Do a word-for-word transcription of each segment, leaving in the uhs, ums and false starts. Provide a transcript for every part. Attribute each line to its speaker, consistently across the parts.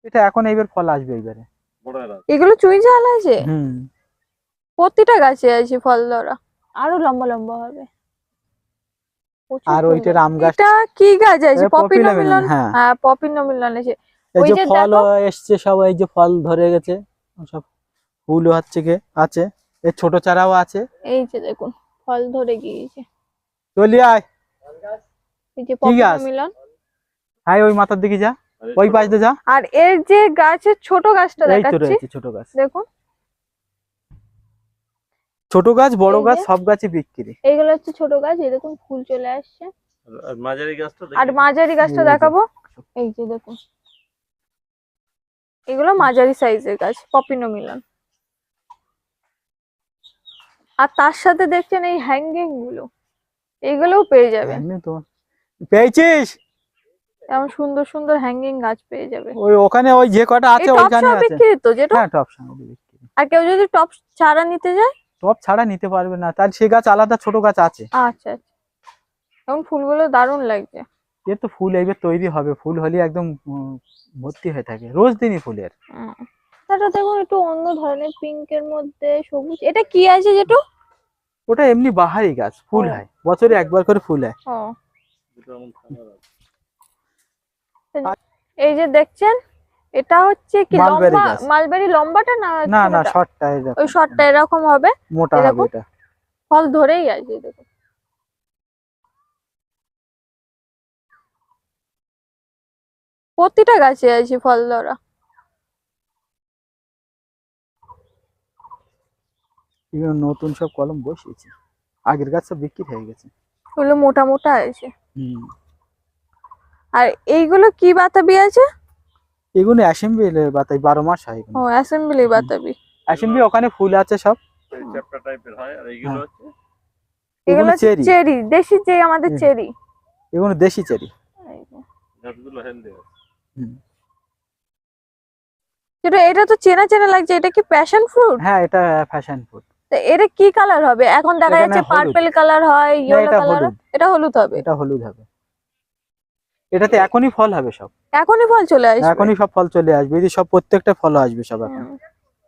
Speaker 1: এটা এখন এইবার ফল আসবে এইবারে।
Speaker 2: এগুলো চুই ঝাল আছে,
Speaker 1: হুম
Speaker 2: প্রতিটা গাছে আছে ফল ধরা, আরো লম্বা লম্বা হবে।
Speaker 1: আর ওইটার আম গাছ,
Speaker 2: এটা কি গাছ আছে?
Speaker 1: পপিলা মিলন।
Speaker 2: পপিনোমিলন।
Speaker 1: হ্যাঁ
Speaker 2: হ্যাঁ, পপিনোমিলন আছে।
Speaker 1: এই
Speaker 2: ওই
Speaker 1: যে
Speaker 2: যে
Speaker 1: ফল
Speaker 2: দেখো,
Speaker 1: এসছে সব, এই যে ফল ধরে গেছে সব, ফুলও হচ্ছে কে আছে, এই ছোট চারাও আছে।
Speaker 2: এই যে দেখুন ফল ধরে গিয়েছে,
Speaker 1: চলি আয়।
Speaker 2: এই যে
Speaker 1: কি গাছ?
Speaker 2: পপিনোমিলন।
Speaker 1: হ্যাঁ ওই মাথার দিকে যা, ওই পাশ দিয়ে যা।
Speaker 2: আর এর যে গাছের ছোট গাছটা
Speaker 1: এই তো
Speaker 2: দেখাচ্ছি,
Speaker 1: রয়েছে ছোট গাছ,
Speaker 2: দেখুন
Speaker 1: ছোট গাছ বড়
Speaker 2: এই
Speaker 1: গাছ
Speaker 2: যে
Speaker 1: সব গাছই বিক্রি।
Speaker 2: এইগুলো হচ্ছে ছোট গাছ, এই দেখুন ফুল চলে আসছে।
Speaker 3: আর মাঝারি গাছটা
Speaker 2: আর
Speaker 3: দেখি।
Speaker 2: মাঝারি গাছটা
Speaker 1: এই যে।
Speaker 2: দেখাবো, এই যে দেখুন এগুলো মাঝারি সাইজের গাছ, পপিনোমিলন। আর তার সাথে দেখছেন এই হ্যাঙ্গিং গুলো, এগুলোও পেয়ে যাবেন।
Speaker 1: হ্যাঁ, তোমার পেয়েছিস?
Speaker 2: এমন সুন্দর সুন্দর হ্যাঙ্গিং গাছ পেয়ে যাবে।
Speaker 1: ওই ওখানে ওই যে কটা
Speaker 2: এই
Speaker 1: আছে
Speaker 2: টপ
Speaker 1: ওইখানে
Speaker 2: সব
Speaker 1: আছে।
Speaker 2: বিক্রি তো যেটা,
Speaker 1: হ্যাঁ টপ সামগ্রী বিক্রি।
Speaker 2: আর কেউ যদি টপ চারা নিতে যায়?
Speaker 1: টপ ছাড়া নিতে পারবে না, তার সে গাছ আলাদা, ছোট গাছ আছে।
Speaker 2: আচ্ছা আচ্ছা, এখন ফুলগুলো দারুণ লাগছে।
Speaker 1: এর তো ফুল এইবার তৈরি হবে, ফুল হলে একদম উম, ভর্তি হয়ে থাকে রোজ দিনই ফুলের।
Speaker 2: হুম। এটা দেখুন একটু অন্য ধরনের, পিঙ্কের মধ্যে সবুজ। এটা কি আছে যেটা?
Speaker 1: ওটা এমনি বাহারি গাছ, ফুল
Speaker 2: ও।
Speaker 1: হয় বছরে একবার করে ফুল হয়।
Speaker 2: ও, এই যে দেখছেন এটা হচ্ছে কি
Speaker 1: মালবেরি
Speaker 2: লম্বা
Speaker 1: গাছ।
Speaker 2: মালবেরি, লম্বাটা না
Speaker 1: না না
Speaker 2: ছোটটা?
Speaker 1: শর্টটা
Speaker 2: ওই
Speaker 1: এরকম
Speaker 2: শর্টটা এরকম হবে,
Speaker 1: মোটা
Speaker 2: এই
Speaker 1: হবে
Speaker 2: দেখুন
Speaker 1: এটা।
Speaker 2: ফল ধরেই আছে দেখুন। প্রতিটা গাছে আছে ফল ধরা।
Speaker 1: এগুলো নতুন সব কলম বসিয়েছি, আগের গাছ সব বিক্রি হয়ে গেছে।
Speaker 2: ওগুলো মোটা মোটা আছে।
Speaker 1: হুম
Speaker 2: আর এইগুলো কি বাতাবি আছে?
Speaker 1: এগুলো অ্যাসেম্বলি বাতাই, বারো মাস হয় এগুলো।
Speaker 2: ও, অ্যাসেম্বলি বাতাবি।
Speaker 1: অ্যাসেম্বলি ওখানে ফুল আছে সব।
Speaker 3: চ্যাপ্টা টাইপের হয়, আর এইগুলো হচ্ছে
Speaker 2: এগুলো
Speaker 1: এগুলো চেরি,
Speaker 2: চেরি, দেশি যে আমাদের চেরি।
Speaker 1: এগুলো দেশি চেরি।
Speaker 3: গাছগুলো হেলদি আছে।
Speaker 1: হুম
Speaker 2: যেটা এটা তো চেনা চেনা লাগছে, এটা কি প্যাশন ফ্রুট?
Speaker 1: হ্যাঁ এটা ফ্যাশন ফুড।
Speaker 2: এটা কি কালার হবে? এখন দেখা
Speaker 1: এটা না
Speaker 2: যাচ্ছে
Speaker 1: হলুদ।
Speaker 2: পার্পল কালার হয়,
Speaker 1: না
Speaker 2: ইয়েলো
Speaker 1: এটা
Speaker 2: কালার।
Speaker 1: হলুদ,
Speaker 2: এটা হলুদ হবে।
Speaker 1: এটা হলুদ হবে। এটাতে এখনই ফল হবে সব,
Speaker 2: এখনই ফল চলে আসবে।
Speaker 1: এখনই সব ফল চলে আসবে, এই যে সব প্রত্যেকটা ফল আসবে সব এখন।
Speaker 2: হুম।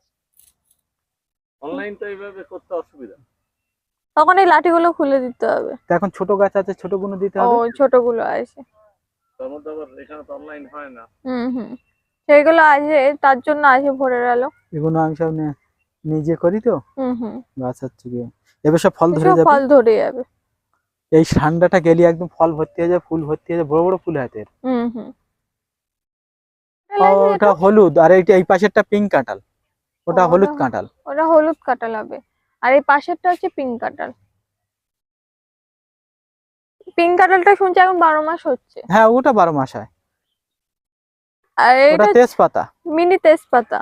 Speaker 3: অনলাইনটা এইভাবে করতে অসুবিধা।
Speaker 2: তখন এই লাঠিগুলো খুলে দিতে হবে।
Speaker 1: তো এখন ছোট গাছ আছে, ছোট গুলো দিতে
Speaker 2: ও,
Speaker 1: হবে।
Speaker 2: ছোটগুলো আছে।
Speaker 3: তার মধ্যে আবার এখানে তো অনলাইন হয় না।
Speaker 2: হুম হুম, সেইগুলো আছে, তার জন্য আছে ভরে গেল।
Speaker 1: এগুলো আমি সব নে- নিজে করি তো।
Speaker 2: হুম হুম,
Speaker 1: গাছ হচ্ছে গিয়ে এবার সব ফল ধরে
Speaker 2: এসব
Speaker 1: যাবে।
Speaker 2: ফল ধরে যাবে।
Speaker 1: এই ঠান্ডাটা গেলে একদম ফল ভর্তি হয়ে যায়, ফুল ভর্তি হয়ে যায়, বড় বড় ফুল হয় এর।
Speaker 2: হুম হুম।
Speaker 1: ওটা হলুদ, আর এইটা এই পাশেরটা পিঙ্ক কাঁঠাল, ওটা হলুদ কাঁঠাল।
Speaker 2: ওটা হলুদ কাঁঠাল হবে, আর এই পাশেরটা হচ্ছে পিঙ্ক কাঁঠাল। পিঙ্ক কাঁঠালটা শুনছি এখন বারো মাস হচ্ছে।
Speaker 1: হ্যাঁ ওটা বারো মাস হয়।
Speaker 2: আর
Speaker 1: ওটা
Speaker 2: এটা
Speaker 1: তেজপাতা।
Speaker 2: মিনি তেজপাতা,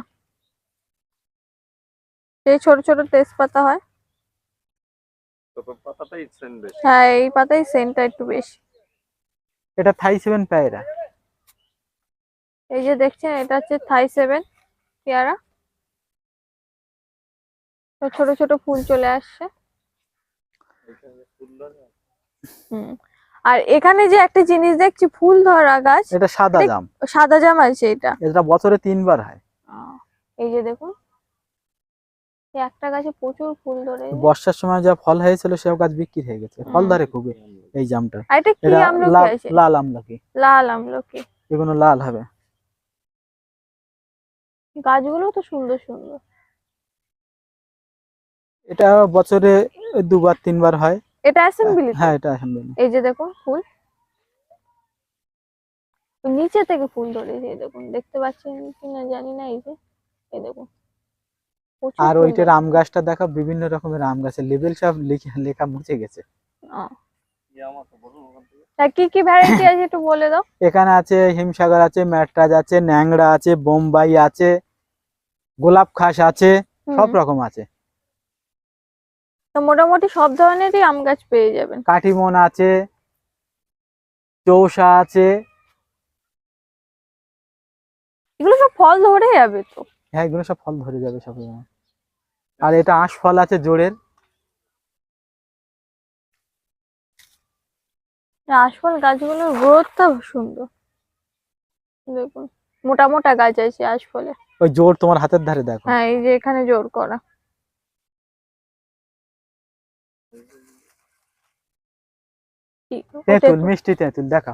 Speaker 2: এই ছোট ছোট তেজপাতা হয়।
Speaker 3: তো পাতাটাই সেন্ট বেশি।
Speaker 2: হ্যাঁ, এই পাতায় সেন্টটা একটু বেশি।
Speaker 1: এটা থাই সেভেন পেয়ারা।
Speaker 2: এই যে দেখছেন এটা হচ্ছে থাই সেভেন পেয়ারা, তো ছোট ছোট ফুল চলে আসছে।
Speaker 3: এখানে ফুল ধরে।
Speaker 2: হুম। আর এখানে যে একটা জিনিস দেখছি ফুল ধরা গাছ,
Speaker 1: এটা সাদা
Speaker 2: এটা
Speaker 1: জাম।
Speaker 2: সাদা জাম আছে এটা।
Speaker 1: এটা বছরে তিনবার হয়।
Speaker 2: আহ, এই যে দেখুন এই একটা গাছে প্রচুর ফুল ধরেছে।
Speaker 1: বর্ষার সময় যা ফল হয়েছিল সব গাছ বিক্রি হয়ে গেছে, ফল
Speaker 2: হুম।
Speaker 1: ধরে খুবই এই জামটা।
Speaker 2: আর এটা কি
Speaker 1: এটা
Speaker 2: আমলকি
Speaker 1: লাল,
Speaker 2: আছে?
Speaker 1: লাল আমলকি।
Speaker 2: লাল আমলকি।
Speaker 1: এগুলো লাল হবে।
Speaker 2: গাছগুলো তো সুন্দর সুন্দর।
Speaker 1: এটা বছরে দুবার তিনবার হয়।
Speaker 2: এটা অ্যাসেম্বলি তো?
Speaker 1: হ্যাঁ এটা অ্যাসেম্বলি।
Speaker 2: এই যে দেখুন ফুল নিচে থেকে ফুল ধরেছে, এই দেখুন, দেখতে পাচ্ছেন কিনা জানি না, এই যে এই দেখুন প্রচুর
Speaker 1: আর
Speaker 2: ফুল
Speaker 1: ওইটার
Speaker 2: ধরেছে।
Speaker 1: আম গাছটা দেখো, বিভিন্ন রকমের আম গাছের লেবেল সব লেখা লেখা মুছে গেছে।
Speaker 2: আহ,
Speaker 3: কি আমার তো বলুন ওখান থেকে।
Speaker 2: তা কি কি ভ্যারাইটি আছে একটু বলে দাও।
Speaker 1: এখানে আছে হিমসাগর আছে, ম্যাট্রাজ আছে, ন্যাংরা আছে, বোম্বাই আছে, গোলাপ খাস আছে, সব
Speaker 2: হুম,
Speaker 1: রকম আছে।
Speaker 2: তো মোটামুটি সব ধরনেরই আম গাছ পেয়ে যাবেন।
Speaker 1: কাঠিমন আছে, চৌসা আছে।
Speaker 2: এগুলো সব ফল ধরে যাবে তো?
Speaker 1: হ্যাঁ এগুলো সব ফল ধরে যাবে সব। আর এটা আঁশ ফল আছে জোরের।
Speaker 2: আশফল গাছগুলোর গ্রোথটা সুন্দর দেখুন। মোটা মোটা গাছ আছে আশফলে।
Speaker 1: ওই জোর তোমার হাতের ধারে দেখো।
Speaker 2: হ্যাঁ এই যে এখানে জোর করা। কি ও
Speaker 1: তেঁতুল,
Speaker 2: তেঁতুল।
Speaker 1: মিষ্টি তেঁতুল দেখা।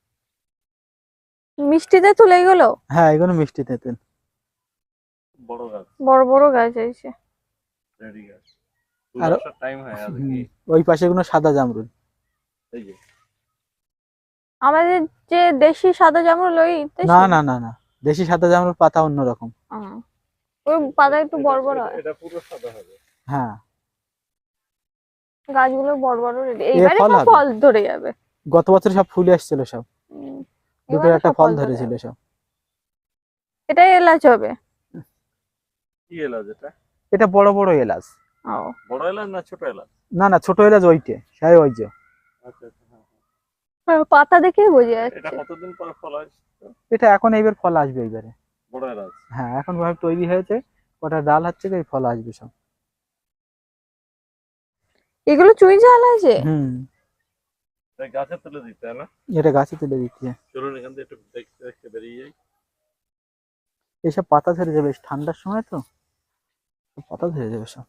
Speaker 2: মিষ্টি তেঁতুল এইগুলো?
Speaker 1: হ্যাঁ এগুলো মিষ্টি তেঁতুল।
Speaker 3: বড় গাছ,
Speaker 2: বড় বড় গাছ আছে।
Speaker 3: রেডি গাছ।
Speaker 1: আর
Speaker 3: আর টাইম হয় আজ
Speaker 1: হুম,
Speaker 3: কি?
Speaker 1: ওই পাশে এগুলো সাদা জামরুল।
Speaker 3: এই যে
Speaker 2: আমাদের যে দেশি সাদা জামরুল ওই দেশি?
Speaker 1: না না না না, দেশি সাদা জামরুল পাতা অন্যরকম।
Speaker 2: আহ, ওই পাতা একটু বড় বড়
Speaker 3: এটা-
Speaker 2: হয়।
Speaker 3: এটা পুরো সাদা হবে।
Speaker 1: হ্যাঁ
Speaker 2: গাছগুলো বড় বড় রেডি,
Speaker 1: এ
Speaker 2: এইবারে
Speaker 1: ফল
Speaker 2: সব
Speaker 1: হবে।
Speaker 2: ফল ধরে যাবে।
Speaker 1: গত বছর সব ফুলে এসেছিল সব,
Speaker 2: উম,
Speaker 1: দুটো
Speaker 2: এবারে
Speaker 1: একটা
Speaker 2: সব
Speaker 1: ফল
Speaker 2: ধরে
Speaker 1: ধরেছিল
Speaker 2: যাবে।
Speaker 1: সব।
Speaker 2: এটাই এলাচ হবে।
Speaker 3: কি এলাচ এটা?
Speaker 1: এটা বড় বড় এলাচ।
Speaker 2: ও
Speaker 3: বড় এলাচ না ছোট এলাচ?
Speaker 1: না না, ছোট এলাচ ওইটে, সেই ওই যে।
Speaker 3: আচ্ছা আচ্ছা, হ্যাঁ, হ্যাঁ।
Speaker 2: হ্যাঁ, পাতা দেখেই বোঝা
Speaker 3: এটা
Speaker 2: যাচ্ছে।
Speaker 3: কতদিন পরে ফল হয়?
Speaker 1: এটা এখন এইবার ফল আসবে এইবারে।
Speaker 3: বড় এলাচ।
Speaker 1: হ্যাঁ এখন ভাবে তৈরি হয়েছে, কটা ডাল হচ্ছে, এই ফল আসবে সব।
Speaker 2: এগুলো চুই ঝাল আছে?
Speaker 1: হুম,
Speaker 3: তাই গাছে তুলে দিতে হয় না?
Speaker 1: এটা গাছে তুলে দিচ্ছে।
Speaker 3: চলুন এখান থেকে একটু দেখতে দেখতে বেরিয়ে যাই।
Speaker 1: এইসব পাতা ধরে যাবে ঠান্ডার সময় তো, পাতা ধরে যাবে সব।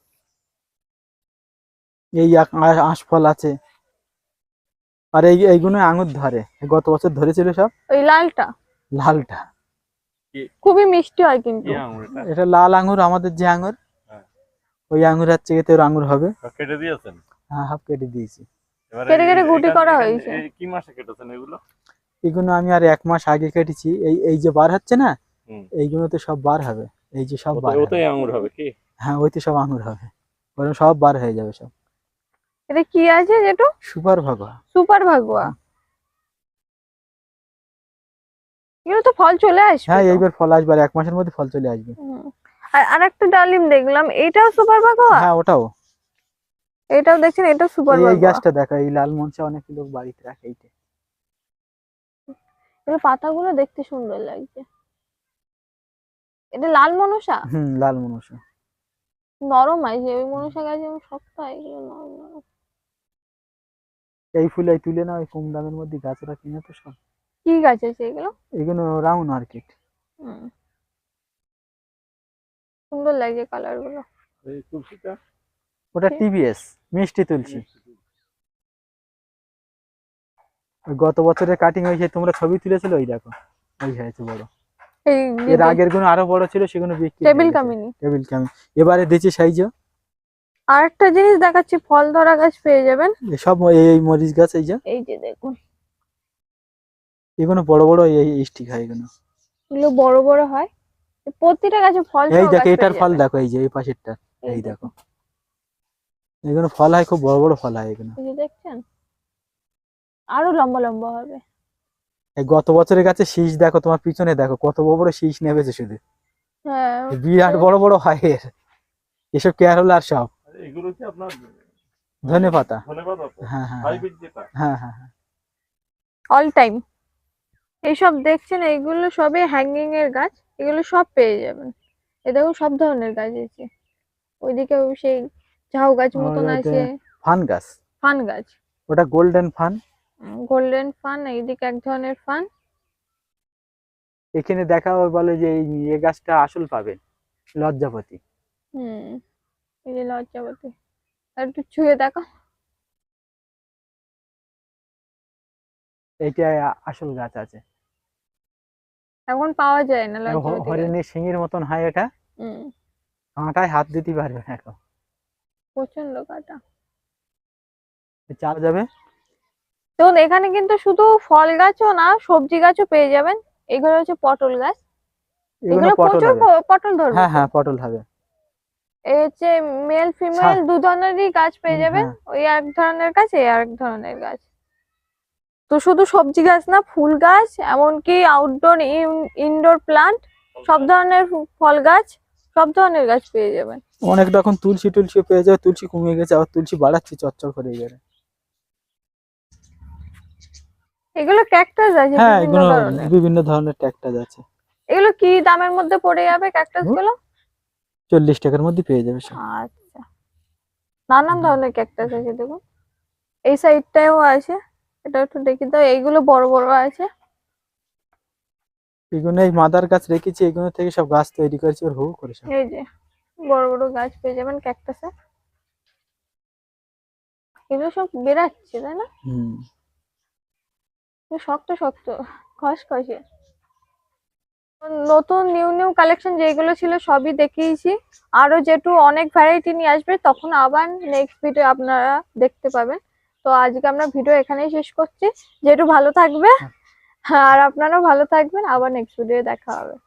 Speaker 1: এই আক- আ- আঁশফল আছে, আর এই এইগুলো আঙুর ধরে, গত বছর ধরেছিল সব।
Speaker 2: ওই লালটা
Speaker 1: লালটা,
Speaker 2: খুবই মিষ্টি হয় কিন্তু।
Speaker 3: কি আঙুর এটা?
Speaker 1: এটা লাল আঙুর, আমাদের যে আঙুর,
Speaker 3: হ্যাঁ।
Speaker 1: ওই আঙুর হচ্ছে এতে ওর আঙুর হবে।
Speaker 3: কেটে দিয়েছেন?
Speaker 1: হ্যাঁ হাফ কেটে দিয়েছি।
Speaker 3: এবারে
Speaker 2: কেটে কেটে
Speaker 3: এই-
Speaker 2: গুটি
Speaker 3: এখান-
Speaker 2: করা
Speaker 3: এখান-
Speaker 2: হয়েছে।
Speaker 3: এই কি মাসে কেটেছেন এগুলো?
Speaker 1: এগুলো আমি আর এক মাস আগে কেটেছি। এই এই যে বার হচ্ছে না,
Speaker 3: হুম।
Speaker 1: এইগুলোতে সব বার হবে, এই যে সব বার
Speaker 3: ওতে-
Speaker 1: হবে।
Speaker 3: ওতেই আঙুর হবে কি?
Speaker 1: হ্যাঁ ওইতে সব আঙুর হবে, ওরকম সব বার হয়ে যাবে সব।
Speaker 2: এটা কি আছে যেটা?
Speaker 1: সুপার ভাগা।
Speaker 2: সুপার ভাগুয়া। এগুলো তো ফল চলে আসবে
Speaker 1: হ্যাঁ
Speaker 2: তো।
Speaker 1: এইবার ফল আসবে, আর এক মাসের মধ্যে ফল চলে আসবে।
Speaker 2: হুম। আর আরেকটা ডালিম দেখলাম, এটাও সুপার ভাগুয়া?
Speaker 1: হ্যাঁ ওটাও।
Speaker 2: এটাও দেখছেন, এটাও সুপার
Speaker 1: এই এই
Speaker 2: ভাগুয়া।
Speaker 1: গাছটা দেখা, এই লাল মরিচা অনেক লোক বাড়িতে রাখে এইটা।
Speaker 2: এগুলো পাতাগুলো দেখতে সুন্দর লাগছে। এটা লাল মনসা?
Speaker 1: হুম লাল মনসা।
Speaker 2: নরম আছে, ওই মনসা গাছ যেমন শক্ত হয় এগুলো নরম নরম।
Speaker 1: এই ফুল এই তুলে না, ওই কম দামের মধ্যে গাছরা কিনে তো সব।
Speaker 2: কি গাছ আছে এগুলো?
Speaker 1: এগুলো রাউন্ড মার্কেট।
Speaker 2: হুম, সুন্দর লাগছে কালার গুলো।
Speaker 3: এই তুলসীটা?
Speaker 1: ওটা
Speaker 2: ঠিক।
Speaker 1: টিবিএস, মিষ্টি তুলসী। ওই গত বছরের কাটিং হয়েছে, তোমরা ছবি তুলেছিল, ওই দেখো ওই হয়েছে বড়।
Speaker 2: এই
Speaker 1: এর আগের গুলো আরো বড় ছিল, সেগুলো বিক্রি
Speaker 2: টেবিল কামিনী।
Speaker 1: টেবিল কামি। এবারে দিচ্ছি সাইজ।
Speaker 2: আর একটা জিনিস দেখাচ্ছি, ফল ধরা গাছ পেয়ে যাবেন।
Speaker 1: সব এই এই মরিচ গাছ, এই যে
Speaker 2: এই যে দেখুন,
Speaker 1: এগুলো বড় বড় এই স্টিক হয় এগুলো।
Speaker 2: এগুলো বড় বড় হয়, প্রতিটা গাছে ফল
Speaker 1: এই
Speaker 2: সহ
Speaker 1: দেখো
Speaker 2: গাছ
Speaker 1: এটার
Speaker 2: পেয়ে
Speaker 1: ফল
Speaker 2: যাবেন।
Speaker 1: দেখো, এই যে এই পাশেরটা,
Speaker 2: এই
Speaker 1: এই
Speaker 2: দেখুন।
Speaker 1: দেখো এগুলো ফল হয়, খুব বড় বড় ফল হয় এগুলো।
Speaker 2: এই যে দেখছেন, আরো লম্বা লম্বা হবে।
Speaker 1: এই গত বছরের গাছে শীষ দেখো, তোমার পিছনে দেখো কত বড় বড় শীষ নেমেছে শুধু,
Speaker 2: হ্যাঁ
Speaker 1: বিরাট বড় বড় হয় এর। এসব কেয়ারলার সব
Speaker 3: এগুলো কি আপনার
Speaker 1: ধনে পাতা।
Speaker 3: ধন্যবাদ।
Speaker 1: হ্যাঁ হ্যাঁ
Speaker 3: হাইব্রিড যেটা?
Speaker 1: হ্যাঁ হ্যাঁ হ্যাঁ।
Speaker 2: All time. এইসব দেখছেন, এইগুলো সবই হ্যাঙ্গিং এর গাছ, এগুলো সব পেয়ে যাবেন। এ দেখুন সব ধরনের গাছ আছে। ওইদিকে সেই ঝাউ গাছ মতন
Speaker 1: আর
Speaker 2: আছে,
Speaker 1: ফান গাছ,
Speaker 2: ফান গাছ,
Speaker 1: ওটা গোল্ডেন ফান।
Speaker 2: গোল্ডেন ফান, এইদিকে এক ধরনের ফান।
Speaker 1: এখানে দেখা ওর বলে যে এই এ গাছটা আসল পাবেন, লজ্জাপতি।
Speaker 2: হুম, এই যে লজ্জাবতী। আর একটু ছুঁয়ে দেখো।
Speaker 1: এইটা আসল গাছ আছে।
Speaker 2: এখন পাওয়া যায় না লজ্জাবতী গাছ।
Speaker 1: হরিণের শিঙের মতন হয় এটা,
Speaker 2: হুম,
Speaker 1: কাঁটায় হাত দিতে পারবে না এখন।
Speaker 2: প্রচন্ড কাটা।
Speaker 1: চাল যাবে।
Speaker 2: দেখুন এখানে কিন্তু শুধু ফল গাছও না, সবজি গাছও পেয়ে যাবেন। এগুলো হচ্ছে পটল গাছ,
Speaker 1: এগুলো
Speaker 2: এগুলো
Speaker 1: পটল
Speaker 2: প্রচুর
Speaker 1: হবে।
Speaker 2: প- পটল ধরবে।
Speaker 1: হ্যাঁ হ্যাঁ পটল হবে।
Speaker 2: এই হচ্ছে মেল ফিমেল দু ধরনেরই গাছ পেয়ে
Speaker 1: হুম,
Speaker 2: যাবেন।
Speaker 1: হ্যাঁ।
Speaker 2: ওই এক ধরনের গাছ, এই আরেক ধরনের গাছ। তো শুধু সবজি গাছ না, ফুল গাছ, এমনকি আউটডোর ইনডোর প্লান্ট, সব ধরনের ফু- ফল গাছ, সব ধরনের গাছ পেয়ে যাবেন।
Speaker 1: অনেকটা এখন তুলসী টুলসি পেয়ে যাবে, তুলসী কমিয়ে গেছে, আবার তুলসী বাড়াচ্ছি চচ্চর করে এবারে।
Speaker 2: এগুলো ক্যাকটাস আছে
Speaker 1: হ্যাঁ
Speaker 2: বিভিন্ন
Speaker 1: এগুলো
Speaker 2: ধরনের।
Speaker 1: বিভিন্ন ধরনের ট্যাক্টাস আছে।
Speaker 2: এগুলো কি দামের মধ্যে পড়ে যাবে ক্যাকটাস গুলো?
Speaker 1: চল্লিশ টাকার মধ্যে পেয়ে যাবে সব।
Speaker 2: আচ্ছা, নানান ধরনের ক্যাকটাস আছে দেখুন। এই সাইডটাও আছে, এটা একটু দেখি দাও। এইগুলো বড় বড় আছে।
Speaker 1: এগুলো এই মাদার গাছ রেখেছি, এগুলো থেকে সব গাছ তৈরি করেছি ওর হু করে সব।
Speaker 2: এই যে বড় বড় গাছ পেয়ে যাবেন ক্যাকটাসে, এগুলো সব বেরাচ্ছে তাই না?
Speaker 1: হুম।
Speaker 2: এগুলো শক্ত শক্ত খসখসে। নতুন নিউ নিউ কালেকশন যেগুলো ছিল সবই দেখিয়েছি, আরো যেটু অনেক ভ্যারাইটি নিয়ে আসবে তখন আবার নেক্সট ভিডিও আপনারা দেখতে পাবেন। তো আজকে আমরা ভিডিও এখানেই শেষ করছি, যেটু ভালো থাকবে আর আপনারাও ভালো থাকবেন, আবার নেক্সট ভিডিও দেখা হবে।